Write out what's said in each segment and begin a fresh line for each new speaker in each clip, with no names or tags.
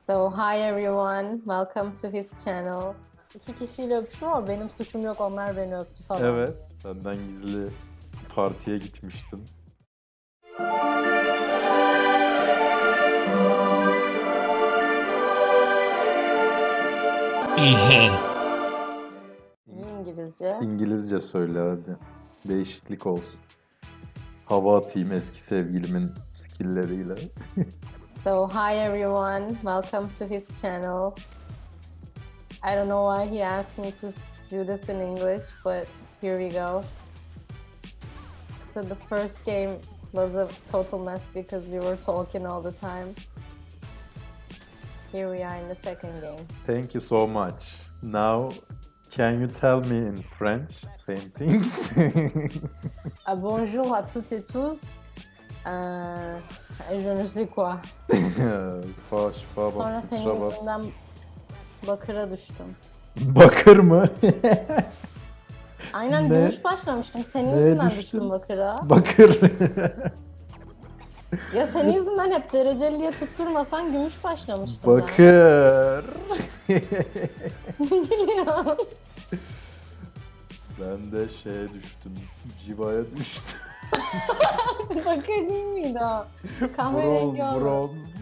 So hi everyone, welcome to his channel. İki kişiyle öpüştüm ama benim suçum yok, onlar beni öptü falan.
Evet, senden gizli partiye gitmiştim.
İyi İngilizce.
İngilizce söyle hadi. Değişiklik olsun. Hava atayım eski sevgilimin skill'leriyle.
So hi everyone, welcome to his channel. I don't know why he asked me to do this in English, but here we go. So the first game was a total mess because we were talking all the time. Here we are in the second game.
Thank you so much. Now, can you tell me in French same things?
Bonjour à toutes et tous. Je ne sais quoi.
Faş,
Sonra
bas,
senin
bas.
yüzünden bakıra düştüm.
Bakır mı?
Aynen
Ne?
gümüş başlamıştım. Senin
Neye
yüzünden
düştün?
düştüm bakıra.
Bakır.
Ya senin yüzünden hep dereceliye tutturmasan gümüş başlamıştım
Bakır.
ben. Ne gülüyorsun?
Ben de şeye düştüm. Civaya düştüm.
Bakır değil miydi o? Kahverengi olan.
Bronz.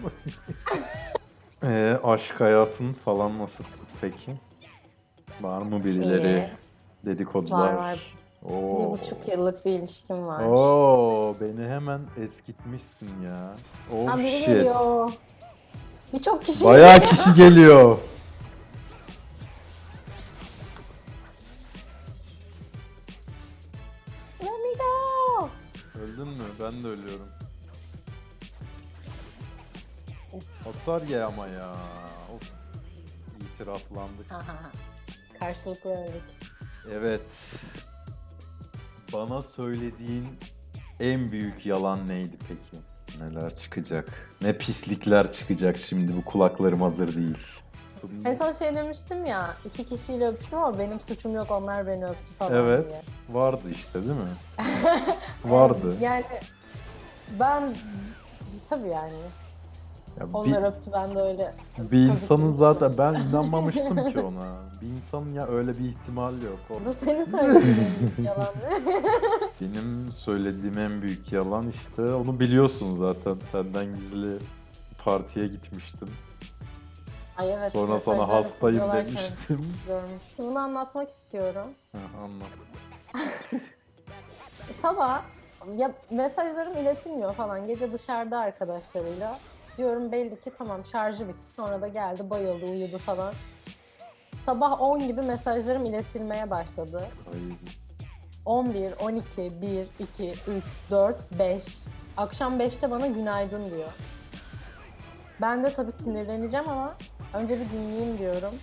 Aşk hayatın falan nasıl peki? Var mı birileri?
İyi.
Dedikodular?
Var.
Oo.
1,5 yıllık bir ilişkim var.
Oo, beni hemen eskitmişsin ya. Oh
Ha, biri
shit.
geliyor. Birçok kişi
Bayağı
geliyor.
kişi geliyor.
Let me go.
Öldün mü? Ben de ölüyorum. Hasar ye ama ya. Of. İtiraflandık.
Karşılıklı öldük.
Evet. Bana söylediğin en büyük yalan neydi peki? Neler çıkacak? Ne pislikler çıkacak şimdi, bu kulaklarım hazır değil.
En son şey demiştim ya, iki kişiyle öpüştüm ama benim suçum yok, onlar beni öptü falan
Evet.
diye.
Vardı işte değil mi? Vardı.
Yani ben tabii yani
Ya
onlar öptü, ben de öyle.
bir insanın
kazık
zaten ben inanmamıştım ki ona. Bir insanın ya öyle bir ihtimal yok.
Bu senin söylediğin yalan ne?
Benim söylediğim en büyük yalan işte, onu biliyorsun zaten, senden gizli partiye gitmiştim.
Ay evet,
Sonra sana
mesajlarını
hastayım
kullanırken
demiştim.
görmüş. Bunu anlatmak istiyorum.
Anlat.
Sabah ya mesajlarım iletilmiyor falan. Gece dışarıda arkadaşlarıyla. Diyorum belli ki tamam, şarjı bitti. Sonra da geldi, bayıldı, uyudu falan. Sabah 10 gibi mesajlarım iletilmeye başladı.
Ay.
11, 12, 1, 2, 3, 4, 5. Akşam 5'te bana günaydın diyor. Ben de tabii sinirleneceğim ama önce bir dinleyeyim diyorum.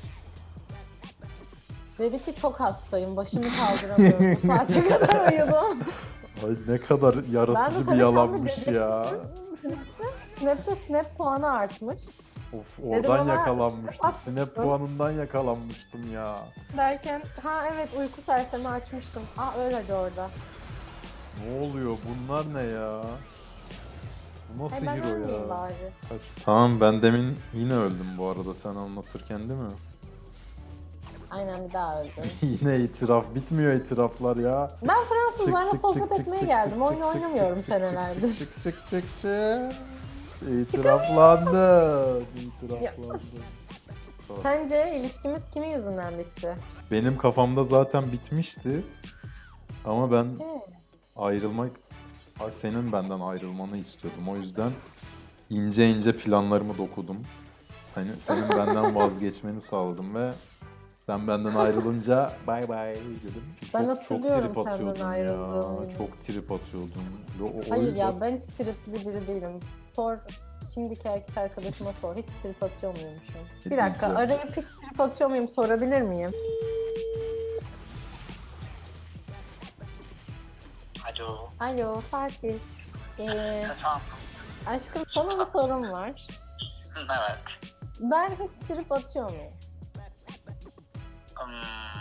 Dedi ki çok hastayım, başımı kaldıramıyorum. Bu saate kadar uyudum.
Ay ne kadar
Ben de
yaratıcı bir
tabii
yalanmış
tam bir
ya.
Snap'te snap puanı artmış.
Of,
Dedim
oradan
ona,
yakalanmıştım.
snap
Snap
atsın.
puanından yakalanmıştım ya.
Derken ha evet, uyku sersemi açmıştım. Aa öyle de orada.
Ne oluyor? Bunlar ne ya? Bu nasıl
Ben
hero ya?
ölmeyeyim bari.
Tamam, ben demin yine öldüm bu arada sen anlatırken değil mi?
Aynen, bir daha öldüm.
Yine itiraf. Bitmiyor itiraflar ya.
Ben Fransızlarla
Çık,
sohbet
çık,
etmeye
çık,
geldim.
çık,
Oyun
çık,
oynamıyorum
çık, çık,
senelerdir.
çık, çık, çık, çık. İtiraflandın. İtiraflandın.
Sence ilişkimiz kimin yüzünden bitti?
Benim kafamda zaten bitmişti. Ama ben
He.
ayrılmak, senin benden ayrılmanı istiyordum. O yüzden ince ince planlarımı dokudum. Senin benden vazgeçmeni sağladım ve sen benden ayrılınca bay bay dedim.
Ben
Çok
hatırlıyorum
trip
senden
atıyordun ya.
ayrıldığını.
Çok trip atıyordun. Ve
Hayır ya, ben hiç tripli biri değilim. Sor, şimdiki erkek arkadaşıma sor. Hiç trip atıyor muymuşum? Bir dakika,
diyeceğim?
arayıp hiç trip atıyor muyum sorabilir miyim?
Alo.
Alo Fatih.
Efendim.
Aşkım, sana bir sorum var.
Evet.
Ben hiç trip atıyor muyum?
Hmm.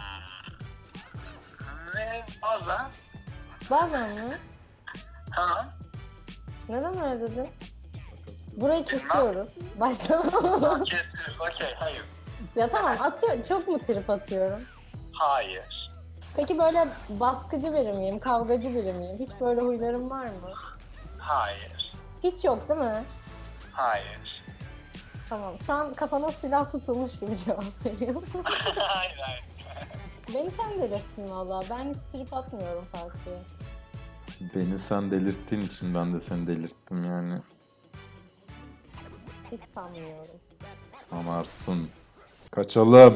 Ne bazen?
Bazen mi?
Tamam.
Neden öyle dedin? Burayı kesiyoruz. Baştan.
Kesiyoruz. Okey. Hayır.
Ya tamam atıyor. Çok mu trip atıyorum?
Hayır.
Peki böyle baskıcı biri miyim? Kavgacı biri miyim? Hiç böyle huylarım var mı?
Hayır.
Hiç yok değil mi?
Hayır.
Tamam. Şu an kafana silah tutulmuş gibi cevap veriyorum.
hayır. Hayır.
Beni sen delirttin valla. Ben hiç trip atmıyorum Fatih'e.
Beni sen delirttiğin için ben de seni delirttim yani.
Hiç sanmıyorum.
Sanarsın. Kaçalım.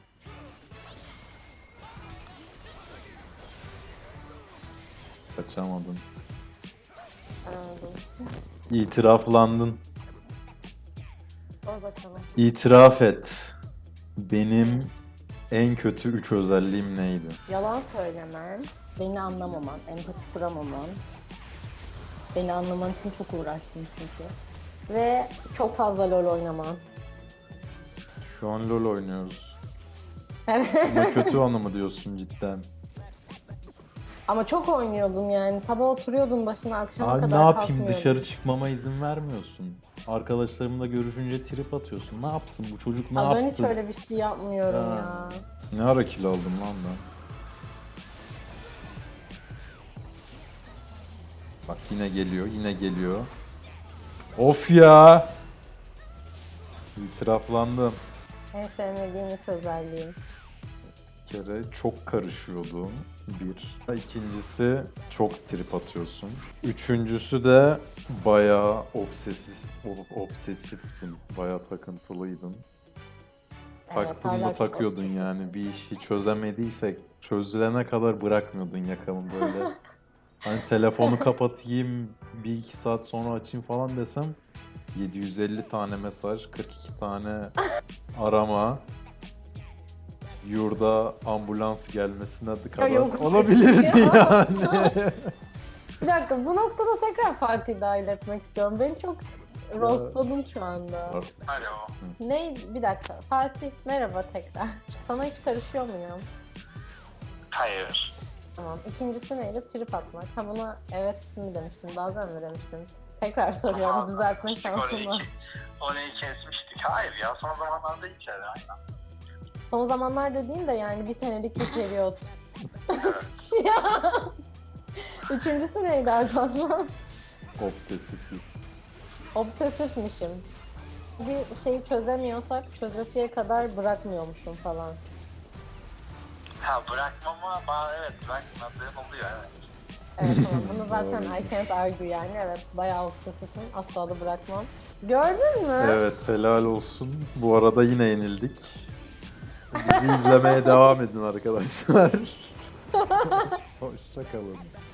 Kaçamadın.
Anladım.
İtiraflandın.
Sor bakalım.
İtiraf et. Benim en kötü 3 özelliğim neydi?
Yalan söylemen, beni anlamaman, empati kuramaman. Beni anlaman için çok uğraştım çünkü. Ve çok fazla LoL oynaman.
Şu an LoL oynuyoruz.
Evet.
Ama kötü anı mı diyorsun cidden?
Ama çok oynuyordun yani. Sabah oturuyordun başına akşama
Abi ne
kadar
yapayım,
kalkmıyordun.
dışarı çıkmama izin vermiyorsun. Arkadaşlarımla görüşünce trip atıyorsun. Ne yapsın bu çocuk, ne
Aa, ben hiç
yapsın?
öyle bir şey yapmıyorum
Ha.
ya.
Ne ara kill aldım lan ben? Bak yine geliyor, yine geliyor. Of ya! İtiraflandım.
En sevmediğin üç özelliğim.
Bir kere çok karışıyordum. Bir. İkincisi çok trip atıyorsun. Üçüncüsü de bayağı obsesiftin. Bayağı takıntılıydın. Taktın
hala
mı
çok
takıyordun
obsesif.
yani. Bir işi çözemediysek çözülene kadar bırakmıyordun yakamı böyle. Hani telefonu kapatayım, bir iki saat sonra açayım falan desem 750 tane mesaj, 42 tane arama, yurda ambulans gelmesine kadar
yok.
olabilirdi
Ya.
yani.
Bir dakika bu noktada tekrar Fatih'i dahil etmek istiyorum. Beni çok roastladın şu anda.
Alo.
Ne? Bir dakika. Fatih merhaba tekrar. Sana hiç karışıyor muyum?
Hayır.
Tamam. İkincisi neydi? Trip atmak. Ha buna evet mi demiştim? Bazen mi demiştim? Tekrar soruyorum.
Ama
Düzeltme
işte
şansım var.
Orayı kesmiştik. Hayır ya, son zamanlarda hiç öyle. Aynen.
Son zamanlar dediğin de yani bir senelik bir periyot. Ya. Üçüncüsü neydi Alparslan?
Obsesiflik.
Obsesifmişim. Bir şeyi çözemiyorsak çözesiye kadar bırakmıyormuşum falan.
Ha, bırakmama, evet, bırakmadığım oluyor, evet.
Evet tamam bunu zaten
Doğru.
I can't argue yani evet bayağı obsesifim asla da bırakmam. Gördün mü?
Evet, helal olsun. Bu arada yine yenildik. Bizi izlemeye devam edin arkadaşlar. Hoşça kalın.